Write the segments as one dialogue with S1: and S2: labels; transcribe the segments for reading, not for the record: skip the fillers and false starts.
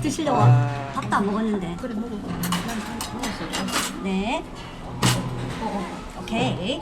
S1: 드시려고. 밥도 안 먹었는데.
S2: 그래 먹어.
S1: 네. 오케이.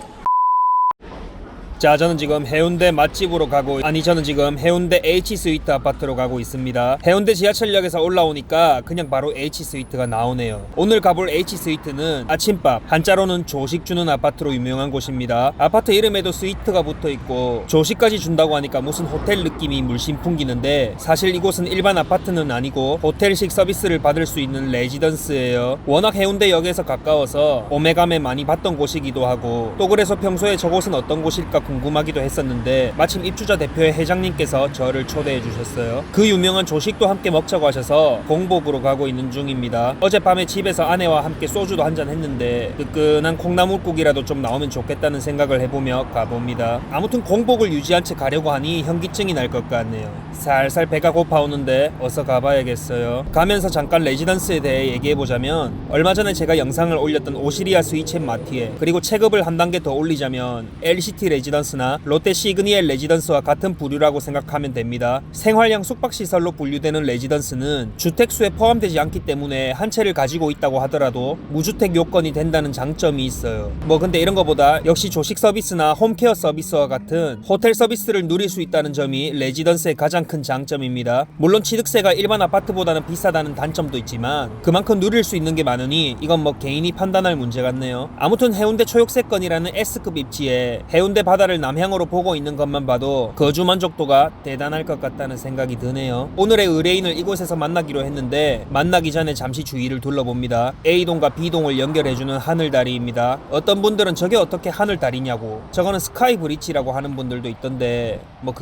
S3: 자, 저는 지금 해운대 맛집으로 저는 지금 해운대 H스위트 아파트로 가고 있습니다. 해운대 지하철역에서 올라오니까 그냥 바로 H스위트가 나오네요. 오늘 가볼 H스위트는 아침밥, 한자로는 조식 주는 아파트로 유명한 곳입니다. 아파트 이름에도 스위트가 붙어있고 조식까지 준다고 하니까 무슨 호텔 느낌이 물씬 풍기는데, 사실 이곳은 일반 아파트는 아니고 호텔식 서비스를 받을 수 있는 레지던스예요. 워낙 해운대역에서 가까워서 오메감에 많이 봤던 곳이기도 하고, 또 그래서 평소에 저곳은 어떤 곳일까 궁금하기도 했었는데, 마침 입주자 대표의 회장님께서 저를 초대해 주셨어요. 그 유명한 조식도 함께 먹자고 하셔서 공복으로 가고 있는 중입니다. 어젯밤에 집에서 아내와 함께 소주도 한잔 했는데 뜨끈한 콩나물국이라도 좀 나오면 좋겠다는 생각을 해보며 가봅니다. 아무튼 공복을 유지한 채 가려고 하니 현기증이 날 것 같네요. 살살 배가 고파오는데 어서 가봐야겠어요. 가면서 잠깐 레지던스에 대해 얘기해보자면, 얼마 전에 제가 영상을 올렸던 오시리아 스위첸 마티에, 그리고 체급을 한 단계 더 올리자면 LCT 레지던스나 롯데 시그니엘 레지던스와 같은 부류라고 생각하면 됩니다. 생활형 숙박시설로 분류되는 레지던스는 주택수에 포함되지 않기 때문에 한 채를 가지고 있다고 하더라도 무주택 요건이 된다는 장점이 있어요. 근데 이런 거보다 역시 조식 서비스나 홈케어 서비스와 같은 호텔 서비스를 누릴 수 있다는 점이 레지던스의 가장 큰 장점입니다. 물론 취득세가 일반 아파트보다는 비싸다는 단점도 있지만 그만큼 누릴 수 있는 게 많으니 이건 개인이 판단할 문제 같네요. 아무튼 해운대 초역세권이라는 S급 입지에 해운대 바다를 남향으로 보고 있는 것만 봐도 거주 만족도가 대단할 것 같다는 생각이 드네요. 오늘의 의뢰인을 이곳에서 만나기로 했는데, 만나기 전에 잠시 주위를 둘러봅니다. A동과 B동을 연결해주는 하늘다리입니다. 어떤 분들은 저게 어떻게 하늘다리냐고, 저거는 스카이 브릿지라고 하는 분들도 있던데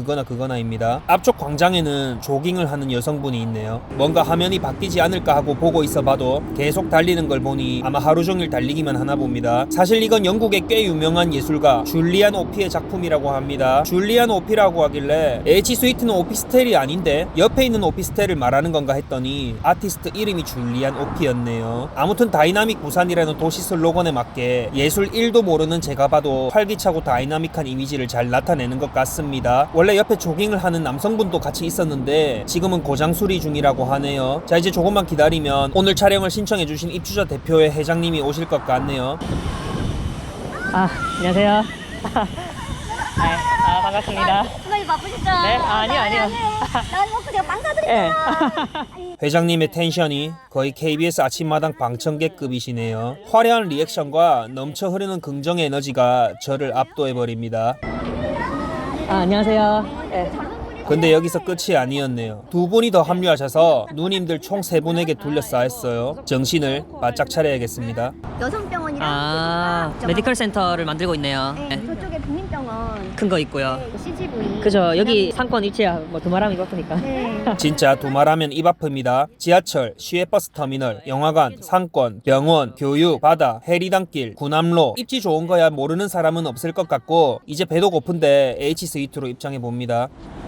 S3: 그거나입니다. 앞쪽 광장에는 조깅을 하는 여성분이 있네요. 뭔가 화면이 바뀌지 않을까 하고 보고 있어 봐도 계속 달리는 걸 보니 아마 하루 종일 달리기만 하나 봅니다. 사실 이건 영국의 꽤 유명한 예술가 줄리안 오피의 작품이라고 합니다. 줄리안 오피라고 하길래 H스위트는 오피스텔이 아닌데 옆에 있는 오피스텔을 말하는 건가 했더니 아티스트 이름이 줄리안 오피였네요. 아무튼 다이나믹 부산이라는 도시 슬로건에 맞게 예술 1도 모르는 제가 봐도 활기차고 다이나믹한 이미지를 잘 나타내는 것 같습니다. 원래 옆에 조깅을 하는 남성분도 같이 있었는데 지금은 고장 수리 중이라고 하네요. 자, 이제 조금만 기다리면 오늘 촬영을 신청해주신 입주자 대표의 회장님이 오실 것 같네요.
S2: 안녕하세요. 반갑습니다.
S1: 선생님 바쁘시죠?
S2: 네? 아니요.
S1: 나 먹고 제가 빵 사드릴게요.
S3: 회장님의 텐션이 거의 KBS 아침마당 방청객급이시네요. 화려한 리액션과 넘쳐 흐르는 긍정의 에너지가 저를 압도해버립니다.
S2: 안녕하세요.
S3: 근데 여기서 끝이 아니었네요. 두 분이 더 합류하셔서 누님들 총 세 분에게 둘러싸였어요. 정신을 바짝 차려야겠습니다.
S1: 여성병원이랑
S2: 메디컬 센터를 만들고 있네요.
S1: 네, 저쪽에 국민병원
S2: 큰 거 있고요.
S1: 네, CGV.
S2: 그죠. 여기 상권 위치야. 두말하면 이렇으니까.
S1: 네.
S3: 진짜 두말하면 입 아픕니다. 지하철, 시외버스 터미널, 영화관, 상권, 병원, 교육, 바다, 해리단길, 구남로, 입지 좋은 거야 모르는 사람은 없을 것 같고, 이제 배도 고픈데 H스위트로 입장해봅니다.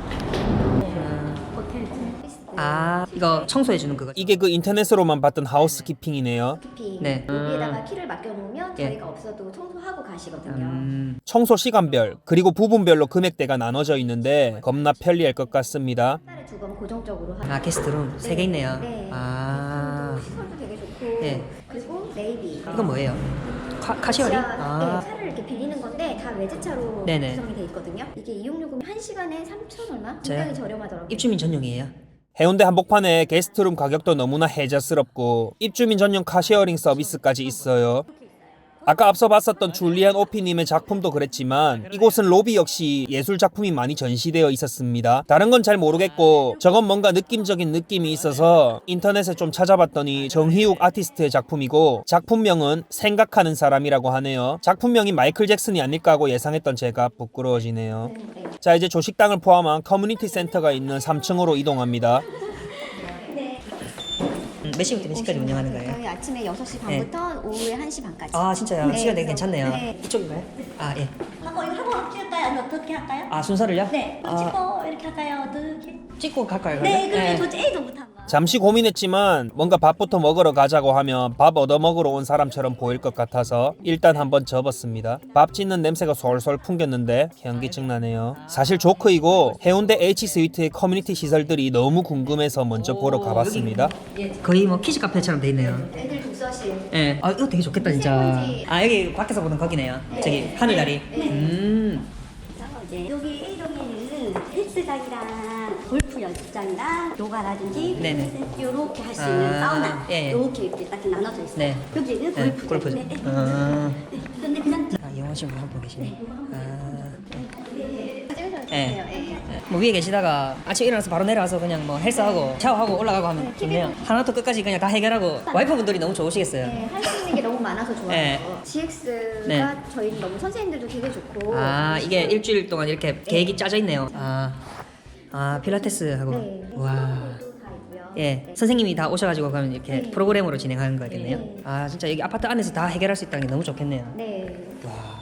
S2: 이거 청소해주는 그거.
S3: 이게 그 인터넷으로만 봤던 하우스키핑이네요.
S1: 키피.
S2: 네.
S1: 여기에다가 키를 맡겨놓으면
S2: 예.
S1: 저희가 없어도 청소하고 가시거든요.
S3: 청소 시간별 그리고 부분별로 금액대가 나눠져 있는데 겁나 편리할 것 같습니다.
S1: 한 달에 2번 고정적으로 하는.
S2: 게스트룸 3개 있네요.
S1: 네. 시설도 되게 좋고.
S2: 네.
S1: 그리고 네이비.
S2: 이건 뭐예요? 카시어리?
S1: 네, 차를 이렇게 빌리는 건데 다 외제차로
S2: 네네.
S1: 구성이 돼 있거든요. 이게 이용요금 1시간에 3,000 얼마?
S2: 저요?
S1: 굉장히 저렴하더라고요.
S2: 입주민 전용이에요.
S3: 해운대 한복판에 게스트룸 가격도 너무나 해저스럽고 입주민 전용 카쉐어링 서비스까지 있어요. 아까 앞서 봤었던 줄리안 오피님의 작품도 그랬지만 이곳은 로비 역시 예술 작품이 많이 전시되어 있었습니다. 다른 건 잘 모르겠고 저건 뭔가 느낌적인 느낌이 있어서 인터넷에 좀 찾아봤더니 정희욱 아티스트의 작품이고 작품명은 생각하는 사람이라고 하네요. 작품명이 마이클 잭슨이 아닐까 하고 예상했던 제가 부끄러워지네요. 자, 이제 조식당을 포함한 커뮤니티 센터가 있는 3층으로 이동합니다.
S2: 몇 시부터 몇 시까지 운영하는 거예요?
S1: 저희 아침에 6시 반부터 오후에 1시 반까지.
S2: 진짜요?
S1: 네,
S2: 시간 되게 괜찮네요.
S1: 네.
S2: 이쪽인가요? 예.
S1: 이거 하고 찍을까요? 아니면 어떻게 할까요?
S2: 순서를요?
S1: 네, 찍고 이렇게 할까요? 어떻게?
S2: 찍고 갈까요?
S1: 네,
S2: 그러면?
S1: 그러면 저 A동부터 한번.
S3: 잠시 고민했지만 뭔가 밥부터 먹으러 가자고 하면 밥 얻어 먹으러 온 사람처럼 보일 것 같아서 일단 한번 접었습니다. 밥 짓는 냄새가 솔솔 풍겼는데 현기증 나네요. 사실 조크이고 해운대 H스위트의 커뮤니티 시설들이 너무 궁금해서 먼저 보러 가봤습니다.
S2: 거의 뭐 키즈 카페처럼 돼 있네요.
S1: 애들 독서실.
S2: 예. 아 이거 되게 좋겠다 진짜. 아 여기 밖에서 보는 거기네요. 저기 하늘다리.
S1: 이제 여기 A동에는 헬스장이랑 골프 연습장이랑 요가라든지
S2: 네네.
S1: 요렇게 할 수 있는 사우나
S2: 예.
S1: 요렇게 이렇게 딱 나눠져 있어요.
S2: 네.
S1: 여기는
S2: 네,
S1: 골프.
S2: 골프죠.
S1: 네.
S2: 아.
S1: 네. 근데 그냥
S2: 아 이용하시고 하고 계시네.
S1: 찍으셔도
S2: 예.
S1: 돼요. 예.
S2: 뭐 위에 계시다가 아침 일어나서 바로 내려와서 그냥 뭐 헬스하고 샤워하고 올라가고 하면 좋네요. 하나부터 끝까지 그냥 다 해결하고 와이프분들이 너무 좋으시겠어요.
S1: 네, 할 수 있는 게 너무 많아서 좋아요.
S2: 네.
S1: GX가
S2: 네.
S1: 저희는 너무 선생님들도 되게 좋고.
S2: 아 이게 일주일 동안 이렇게 계획이 짜져 있네요. 아 필라테스 하고
S1: 네.
S2: 와.
S1: 다 있고요.
S2: 예,
S1: 네.
S2: 선생님이 다 오셔가지고 그러면 이렇게
S1: 네.
S2: 프로그램으로 진행하는 거겠네요.
S1: 네.
S2: 아 진짜 여기 아파트 안에서 다 해결할 수 있다는 게 너무 좋겠네요.
S1: 네.
S2: 와.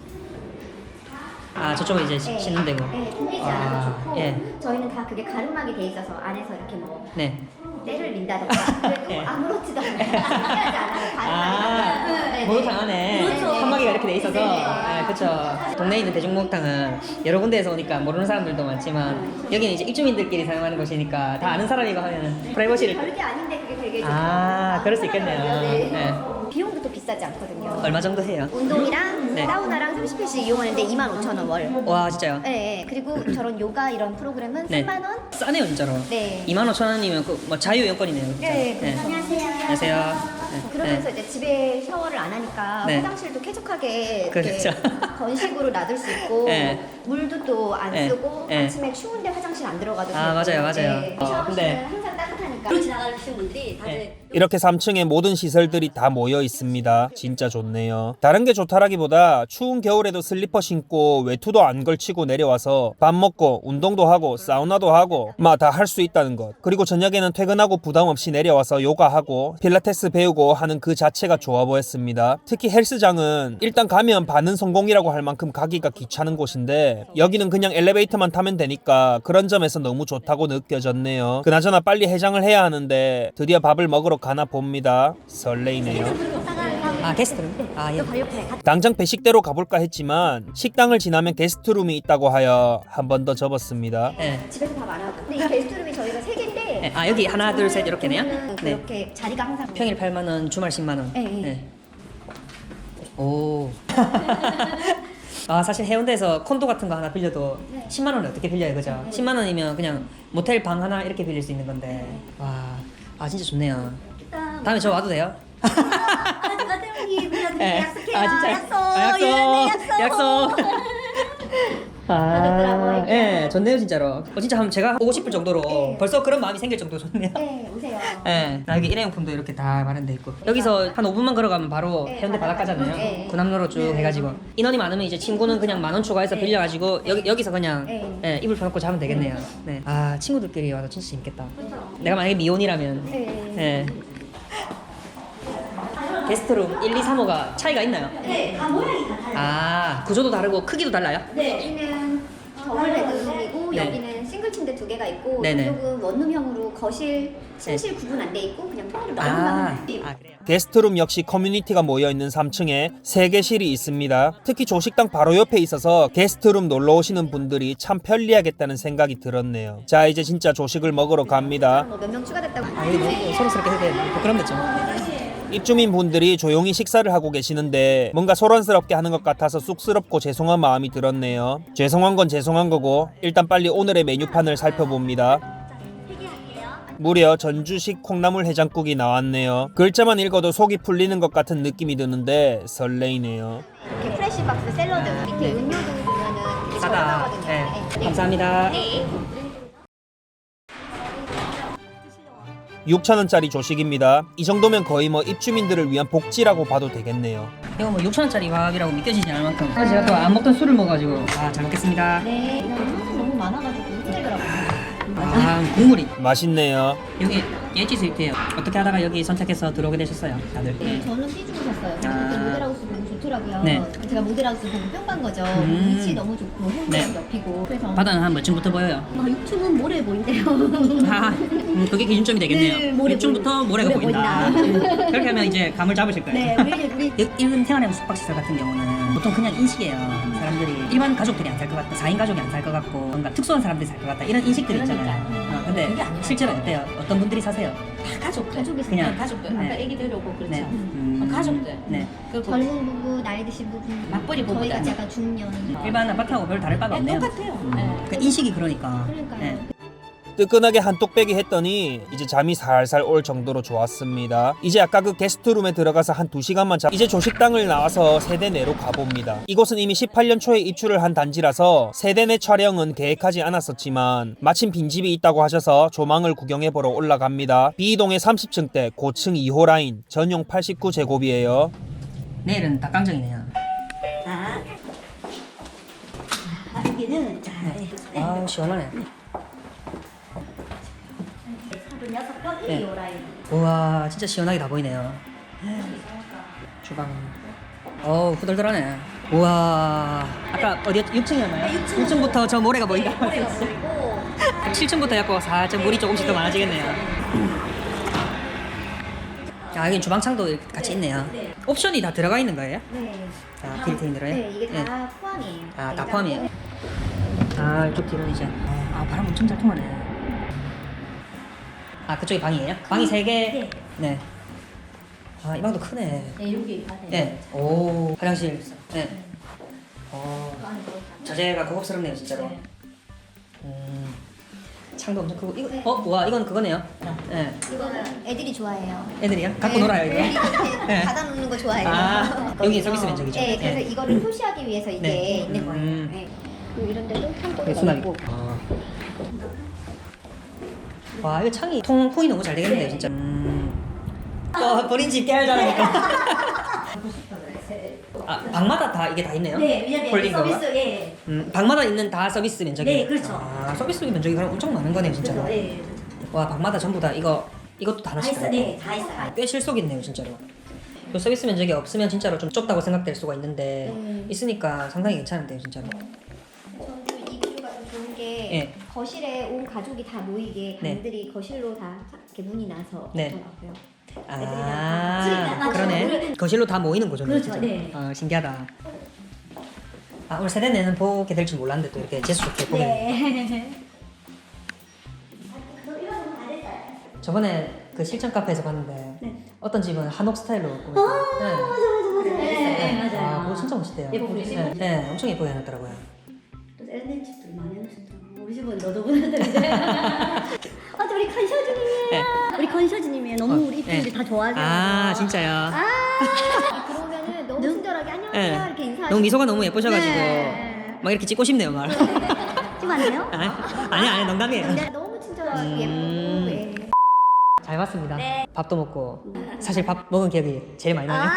S2: 아 저쪽은 이제
S1: 네.
S2: 쉬는 데고.
S1: 네, 통기지
S2: 아,
S1: 않아도 좋고.
S2: 예.
S1: 저희는 다 그게 가름막이 돼 있어서 안에서 이렇게 뭐
S2: 네.
S1: 때를 민다던가 그래도
S2: 네.
S1: 아무렇지도 않아요. 신기하지 않아요.
S2: 아,
S1: 가름막이.
S2: 목욕탕 안에
S1: 그렇죠.
S2: 칸막이가 이렇게 돼 있어서,
S1: 네.
S2: 아, 그렇죠. 동네에 있는 대중목욕탕은 여러 군데에서 오니까 모르는 사람들도 많지만 여기는 이제 입주민들끼리 사용하는 곳이니까 다 아는 사람이고 하면 프라이버시를.
S1: 별게 아닌데 그게 되게
S2: 아, 그럴 수 있겠네요.
S1: 네.
S2: 네.
S1: 비용도 또 비싸지 않거든요.
S2: 얼마 정도 해요?
S1: 운동이랑
S2: 네.
S1: 사우나랑 30회씩 이용하는데 25,000원 월.
S2: 와 진짜요?
S1: 네, 네. 그리고 저런 요가 이런 프로그램은
S2: 네.
S1: 3만 원.
S2: 싸네요 진짜로.
S1: 네.
S2: 25,000원이면 그 뭐 자유 여건이네요. 진짜.
S1: 네. 안녕하세요.
S2: 안녕하세요. 네.
S1: 그러면서
S2: 네.
S1: 이제 집에 샤워를 안 하니까
S2: 네.
S1: 화장실도 쾌적하게 이렇게
S2: 그렇죠.
S1: 건식으로 놔둘 수 있고
S2: 네.
S1: 물도 또 안
S2: 네.
S1: 쓰고
S2: 네.
S1: 아침에 추운데 화장실 안 들어가도
S2: 아,
S1: 되고.
S2: 맞아요, 맞아요.
S1: 네.
S2: 근데-
S1: 샤워실은 항상 따뜻하니까 지나가시는 분들이 다들
S2: 네.
S3: 이렇게 3층에 모든 시설들이 다 모여 있습니다. 진짜 좋네요. 다른 게 좋다라기보다 추운 겨울에도 슬리퍼 신고 외투도 안 걸치고 내려와서 밥 먹고 운동도 하고 사우나도 하고 막 다 할 수 있다는 것. 그리고 저녁에는 퇴근하고 부담 없이 내려와서 요가하고 필라테스 배우고 하는 그 자체가 좋아 보였습니다. 특히 헬스장은 일단 가면 반은 성공이라고 할 만큼 가기가 귀찮은 곳인데 여기는 그냥 엘리베이터만 타면 되니까 그런 점에서 너무 좋다고 느껴졌네요. 그나저나 빨리 해장을 해야 하는데 드디어 밥을 먹으러 가나 봅니다. 설레이네요.
S2: 아 게스트룸? 아 예.
S1: 바로 옆에
S3: 당장 배식대로 가볼까 했지만 식당을 지나면 게스트룸이 있다고 하여 한 번 더 접었습니다.
S2: 네.
S1: 집에서 밥 안 하고. 근데 이 게스트룸이 저희가 3개인데
S2: 네. 아 여기 하나 둘 셋 이렇게네요? 네.
S1: 그렇게 자리가 항상
S2: 평일 8만 원, 주말 10만 원.
S1: 네, 네.
S2: 오. 아 사실 해운대에서 콘도 같은 거 하나 빌려도
S1: 네.
S2: 10만 원에 어떻게 빌려요, 그죠? 10만 원이면 그냥 모텔 방 하나 이렇게 빌릴 수 있는 건데. 와, 아 진짜 좋네요. 다음에 저 와도 돼요?
S1: 누가 때문에
S2: 네.
S1: 약속해요.
S2: 아 진짜.
S1: 약속.
S2: 아,
S1: 예,
S2: 약속.
S1: 좋더라고요, 이게.
S2: 예, 좋네요 진짜로. 진짜 한번 제가 오고 싶을 정도로
S1: 네.
S2: 벌써 그런 마음이 생길 정도로 좋네요.
S1: 네, 오세요.
S2: 예, 나 여기 일회용품도 이렇게 다 마련돼 있고 여기서 한 5분만 걸어가면 바로
S1: 네,
S2: 해운대 바닷가잖아요.
S1: 네.
S2: 구남로로 쭉
S1: 네.
S2: 해가지고 인원이 많으면 이제 친구는 그냥 10,000원 추가해서
S1: 네.
S2: 빌려가지고 여기서 그냥
S1: 네.
S2: 예, 이불 펴놓고 자면 되겠네요. 네. 아 친구들끼리 와서 진짜 재밌겠다. 내가 만약에 미혼이라면
S1: 네.
S2: 예. 게스트룸 1, 2, 3호가 차이가 있나요?
S1: 네, 다 모양이 다 달라요.
S2: 아 구조도 다르고 크기도 달라요?
S1: 네, 여기는 더블 베드룸이고
S2: 네.
S1: 여기는 싱글 침대 2개가 있고
S2: 네네.
S1: 이쪽은 원룸형으로 거실, 침실 구분 안 돼 있고 그냥 통으로 넓은
S2: 아,
S1: 방만 돼 있고.
S2: 그래요?
S3: 게스트룸 역시 커뮤니티가 모여있는 3층에 3개실이 있습니다. 특히 조식당 바로 옆에 있어서 게스트룸 놀러 오시는 분들이 참 편리하겠다는 생각이 들었네요. 자 이제 진짜 조식을 먹으러 갑니다.
S1: 뭐 몇 명 추가됐다고.
S2: 아 이거 너무 서로스럽게 해야 돼. 부끄럽겠죠.
S3: 입주민 분들이 조용히 식사를 하고 계시는데 뭔가 소란스럽게 하는 것 같아서 쑥스럽고 죄송한 마음이 들었네요. 죄송한 건 죄송한 거고 일단 빨리 오늘의 메뉴판을 살펴봅니다. 무려 전주식 콩나물 해장국이 나왔네요. 글자만 읽어도 속이 풀리는 것 같은 느낌이 드는데 설레이네요.
S1: 이렇게 프레시 박스 샐러드 밑에 음료도 보면은 되게
S2: 싸다.
S1: 저렴하거든요.
S2: 네. 감사합니다.
S1: 네.
S3: 6,000원짜리 조식입니다. 이 정도면 거의 뭐 입주민들을 위한 복지라고 봐도 되겠네요.
S2: 이거 뭐 6,000원짜리 밥이라고 믿겨지지 않을 만큼. 제가 또 안 먹던 술을 먹어가지고 잘 먹겠습니다.
S1: 네. 이런 소스 너무 많아가지고 힘들더라고요.
S2: 아 국물이
S3: 맛있네요.
S2: 여기 H 스위트예요. 어떻게 하다가 여기 선택해서 들어오게 되셨어요, 다들?
S1: 네, 저는 삐죽 샀어요.
S2: 아.
S1: 근데 모델하우스 너무 좋더라고요.
S2: 네.
S1: 제가 모델하우스 보고 뿅 간 거죠. 위치 너무 좋고 행동
S2: 네.
S1: 옆이고. 그래서
S2: 바다는 한 몇 층부터 보여요?
S1: 유튜브는 모래 보인대요.
S2: 아, 그게 기준점이 되겠네요.
S1: 네, 모래
S2: 1층부터 모래가
S1: 모래
S2: 보인다. 그렇게 하면 이제 감을 잡으실 거예요.
S1: 네, 우리
S2: 이런 태안의 숙박시설 같은 경우는 보통 그냥 인식이에요. 사람들이 일반 가족들이 안 살 것 같다, 4인 가족이 안 살 것 같고 뭔가 특수한 사람들이 살 것 같다 이런 인식들이 있잖아요. 근데
S1: 그게 아니에요.
S2: 실제로 어때요? 어떤 분들이 사세요?
S1: 다 가족이
S2: 그냥
S1: 가족들.
S2: 네.
S1: 아까 애기들 오고 그렇죠.
S2: 네.
S1: 가족들.
S2: 네.
S1: 그 젊은 부부, 나이 드신 부부,
S4: 맞벌이
S1: 저희
S4: 부부다.
S1: 같이 약간 중년.
S2: 일반 아파트하고 별 다를 바가 없네요.
S1: 똑같아요. 네.
S2: 그 인식이 그러니까.
S1: 그러니까요.
S2: 네.
S3: 뜨끈하게 한뚝 빼기 했더니 이제 잠이 살살 올 정도로 좋았습니다. 이제 아까 그 게스트룸에 들어가서 한 2시간만 자 이제 조식당을 나와서 세대 내로 가봅니다. 이곳은 이미 18년 초에 입주를 한 단지라서 세대 내 촬영은 계획하지 않았었지만 마침 빈집이 있다고 하셔서 조망을 구경해보러 올라갑니다. B동의 30층대 고층 2호 라인 전용 89제곱이에요.
S2: 내일은 닭강정이네요.
S4: 자, 여기는 자,
S2: 아우 시원하네.
S4: 36번
S2: 네.
S4: 1호 라인.
S2: 우와 진짜 시원하게 다 보이네요. 주방. 어우 후덜덜하네. 우와 아까 어디였지? 6층이었나요?
S4: 네, 6층.
S2: 6층부터 저 모래가 보인다.
S4: 모래가 보이고
S2: 7층부터 약간 살짝 물이 조금씩 더 많아지겠네요. 아 여기 주방창도 이렇게 같이 있네요.
S4: 네.
S2: 옵션이 다 들어가 있는 거예요?
S1: 네.
S2: 자 빌트인 들어요?
S1: 네, 이게 다 포함이에요.
S2: 아, 다 포함이에요? 아 이쪽 뒤로는 이제 아 바람 엄청 잘 통하네. 아 그쪽이 방이에요? 방이 3개?
S1: 네.
S2: 네. 아 이 방도 크네.
S1: 네, 여기 바닥에.
S2: 네. 오 화장실. 네. 자재가 고급스럽네요 진짜로. 창도 엄청 크고 이거 와 이건 그거네요. 네.
S1: 이거는 애들이 좋아해요.
S2: 애들이요? 갖고 놀아요 이거.
S1: 애들이 이렇게
S2: 네.
S1: 받아놓는 거 좋아해요.
S2: 아, 여기 서비스 면적이죠?
S1: 네, 그래서
S2: 네.
S1: 이거를 표시하기 위해서 이게
S2: 네.
S1: 있는 거예요. 네. 그리고 이런 데도
S2: 네,
S1: 창고가
S2: 수납이.
S1: 있고.
S2: 와 이거 창이 통풍이 너무 잘 되겠는데요 진짜. 버린 집 깨알 잘하니까. 아 방마다 다 이게 다 있네요?
S4: 네, 왜냐면
S2: 홀딩 거가?
S4: 서비스 예.
S2: 방마다 있는 다 서비스 면적이.
S4: 네, 그렇죠.
S2: 아 서비스 면적이 그럼 엄청 많은 거네요 진짜로.
S4: 그래서 예.
S2: 와 방마다 전부 다 이것도 다
S4: 다
S2: 하나씩
S4: 있어.
S2: 다
S4: 네, 다 있어.
S2: 꽤 실속 있네요 진짜로. 그 서비스 면적이 없으면 진짜로 좀 좁다고 생각될 수가 있는데 있으니까 상당히 괜찮은데요 진짜로.
S1: 저는 이 구조가 좀 좋은 게
S2: 예.
S1: 거실에 온 가족이 다 모이게
S2: 네.
S1: 방들이 거실로 다 이렇게 문이 나서
S2: 네.
S1: 있더라고요.
S2: 아
S4: 맞아요.
S2: 그러네. 거실로 다 모이는 거죠.
S4: 그렇죠,
S2: 진짜.
S4: 네.
S2: 신기하다. 아 오늘 세대 내는 보게 될 줄 몰랐는데 또 이렇게 재수 좋게 보게.
S4: 네.
S2: 저번에 그 실전 카페에서 봤는데
S4: 네.
S2: 어떤 집은 한옥 스타일로 꾸몄어요.
S4: 네, 맞아요.
S2: 아 그거 진짜 멋있대요.
S4: 예쁘게
S2: 네, 네, 엄청 예쁘게 해놨더라고요.
S4: 또 세련된 집들 많이 해놓으셨더라고요. 우리 집은 너도 보는데. 아, 저 우리 컨셔즈님이에요.
S2: 네.
S4: 우리 컨셔즈님이에요. 너무 우리 입술이 다 좋아하세요.
S2: 아 진짜요?
S1: 들어오면은 너무 친절하게 안녕하세요
S2: 네.
S1: 이렇게 인사하시고
S2: 너무 미소가 너무 예쁘셔가지고
S4: 네.
S2: 막 이렇게 찍고 싶네요 말.
S4: 지금 안 돼요?
S2: 아니 농담이에요.
S1: 근데 너무 친절하고 예쁘고 예.
S2: 잘 봤습니다.
S4: 네.
S2: 밥도 먹고 사실 밥 먹은 기억이 제일 많이 나요.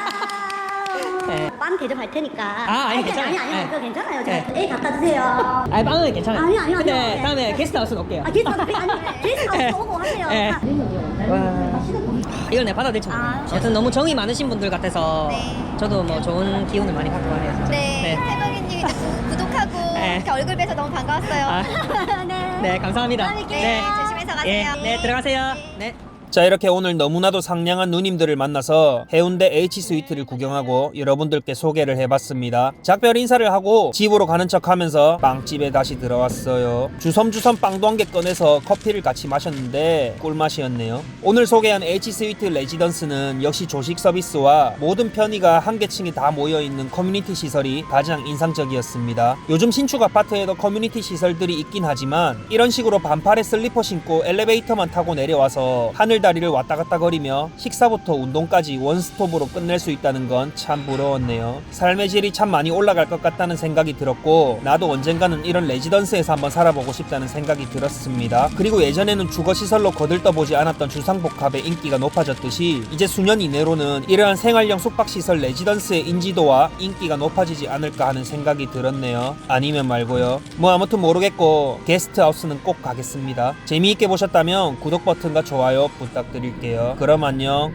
S2: 네.
S4: 빵 대접할 테니까.
S2: 아니, 괜찮아요.
S4: 아니,
S2: 네.
S4: 그거 괜찮아요.
S2: 네.
S4: 제가 애 갖다 주세요.
S2: 아니 빵은 괜찮아요.
S4: 아니요.
S2: 근데
S4: 네.
S2: 다음에 게스트하우스는 올게요.
S4: 아, 게스트하우스 오고 하세요.
S2: 네.
S4: 아,
S2: 와. 이걸 내가 받아들일지 모르겠네. 여튼 너무 정이 많으신 분들 같아서 저도 뭐 좋은 기운을 많이 받고 가네요. 진짜.
S1: 네, 해방이님 구독하고
S2: 네.
S1: 이렇게 얼굴 뵈서 너무 반가웠어요.
S2: 아,
S4: 네.
S2: 네 감사합니다.
S1: 네, 조심해서 가세요.
S2: 네, 들어가세요. 네.
S3: 자 이렇게 오늘 너무나도 상냥한 누님들을 만나서 해운대 H스위트를 구경하고 여러분들께 소개를 해봤습니다. 작별 인사를 하고 집으로 가는 척하면서 빵집에 다시 들어왔어요. 주섬주섬 빵도 한 개 꺼내서 커피를 같이 마셨는데 꿀맛이었네요. 오늘 소개한 H스위트 레지던스는 역시 조식 서비스와 모든 편의가 한 개층에 다 모여있는 커뮤니티 시설이 가장 인상적이었습니다. 요즘 신축 아파트에도 커뮤니티 시설들이 있긴 하지만 이런 식으로 반팔에 슬리퍼 신고 엘리베이터만 타고 내려와서 하늘 하늘다리를 왔다 갔다 거리며 식사부터 운동까지 원스톱으로 끝낼 수 있다는 건 참 부러웠네요. 삶의 질이 참 많이 올라갈 것 같다는 생각이 들었고 나도 언젠가는 이런 레지던스에서 한번 살아보고 싶다는 생각이 들었습니다. 그리고 예전에는 주거시설로 거들떠보지 않았던 주상복합의 인기가 높아졌듯이 이제 수년 이내로는 이러한 생활형 숙박시설 레지던스의 인지도와 인기가 높아지지 않을까 하는 생각이 들었네요. 아니면 말고요. 뭐 아무튼 모르겠고 게스트하우스는 꼭 가겠습니다. 재미있게 보셨다면 구독 버튼과 좋아요 부탁드릴게요. 그럼 안녕.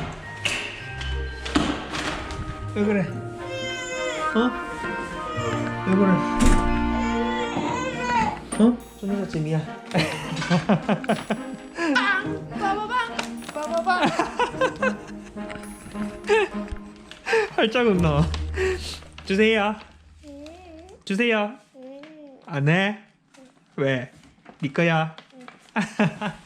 S3: 왜 그래? 어? 왜 그래? 어? 좀 늦었지 미안. 활짝 웃노. 주세요. 주세요. 안 해? 왜? 네 거야.